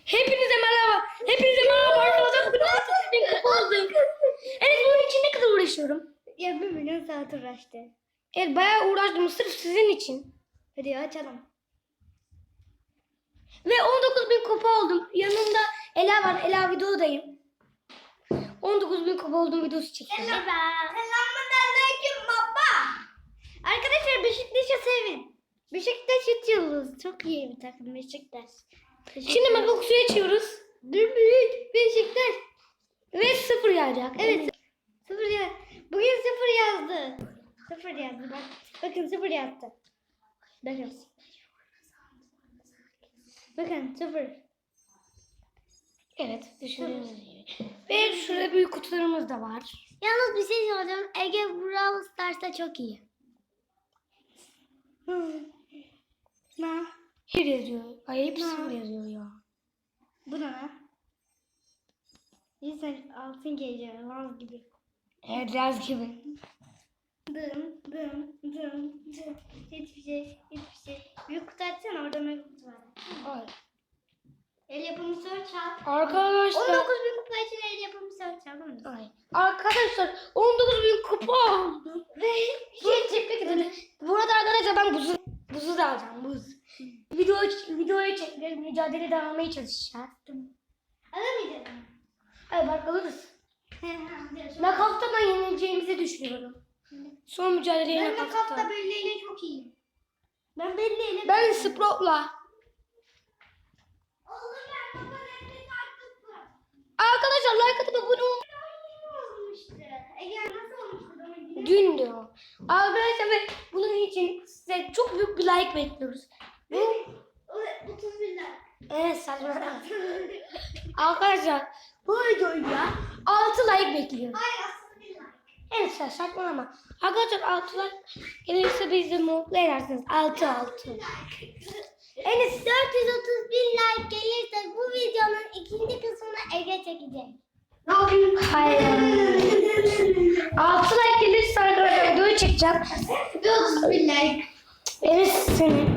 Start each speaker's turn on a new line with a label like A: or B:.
A: Hepinize merhaba. Hepinize merhaba arkadaşlar. Bugün 6.000 kupa oldum. Evet, bunun için ne kadar uğraşıyorum?
B: Ya 1 milyon saat uğraştı.
A: Evet, bayağı uğraştım sırf sizin için.
B: Hadi açalım.
A: Ve 19.000 kupa oldum. Yanımda Ela var. Ela videodayım. 19.000 kupa oldum, videosu çekiyorum.
B: Selamünaleyküm baba. Arkadaşlar Beşiktaş'ı sevin. Beşiktaş 3 yıldız. Çok iyi bir takım Beşiktaş.
A: Şimdi mega suyu açıyoruz.
B: Büyük Beşiktaş.
A: Ve 0 yağacak.
B: Evet. 0 yaz. Bugün 0 yazdı. 0 yazdı bak. Bakın 0 yazdı. Bakın. Bakın 0.
A: Evet, düşündüğünüz gibi. Ve şurada büyük kutularımız da var.
B: Yalnız bir şey soracağım. Ege Brawl Stars'ta çok iyi. Ne?
A: Her yazıyor. Ay, hep 0 yazıyor ya.
B: Bu ne? İnsan altın geliyor. Laz gibi.
A: Evet, Laz gibi.
B: Dım dım dım dım. Hiçbir şey. Büyük kutu açsana, orada mega kutu var.
A: Ay.
B: El yapımı search al.
A: Arkadaşlar.
B: 19.000 kupa için el yapımı search al mı?
A: Ay. Arkadaşlar 19.000 kupa oldu.
B: Şey çıktı.
A: Bu arada arkadaşlar ben buzu da alacağım, buz. Videoyu çekeceğiz, mücadele devamaya çalışacağız.
B: Alamayacağım.
A: Hayır, bak alırız. Nakavta ben yenileceğimizi düşünüyorum. Son mücadeleye
B: Ben
A: nakavta.
B: nakafta belleyle çok iyiyim. Ben belleyle.
A: Ben Sprout'la.
B: Oğlum ben baba nefret artık mı?
A: Arkadaşlar like atıp abone olun.
B: Olmuştu. Ege nasıl olmuştu? Bana
A: Dün diyor. Arkadaşlar ve bunun için size çok büyük bir like bekliyoruz. Bu
B: 31 like.
A: evet, saçma. Arkadaşlar bu videoya 6 like bekliyoruz.
B: Hayır aslında 1 like.
A: Evet, saçmalama. Arkadaşlar 6 like gelirse bizi mutlu edersiniz. 6.
B: Enes 431 like gelirse bu videonun ikinci kısmını Ege çekecek.
A: Hayır. 6 like gelirse arkadaşlar videoyu çekeceğim.
B: 31 like.
A: Evet, seni.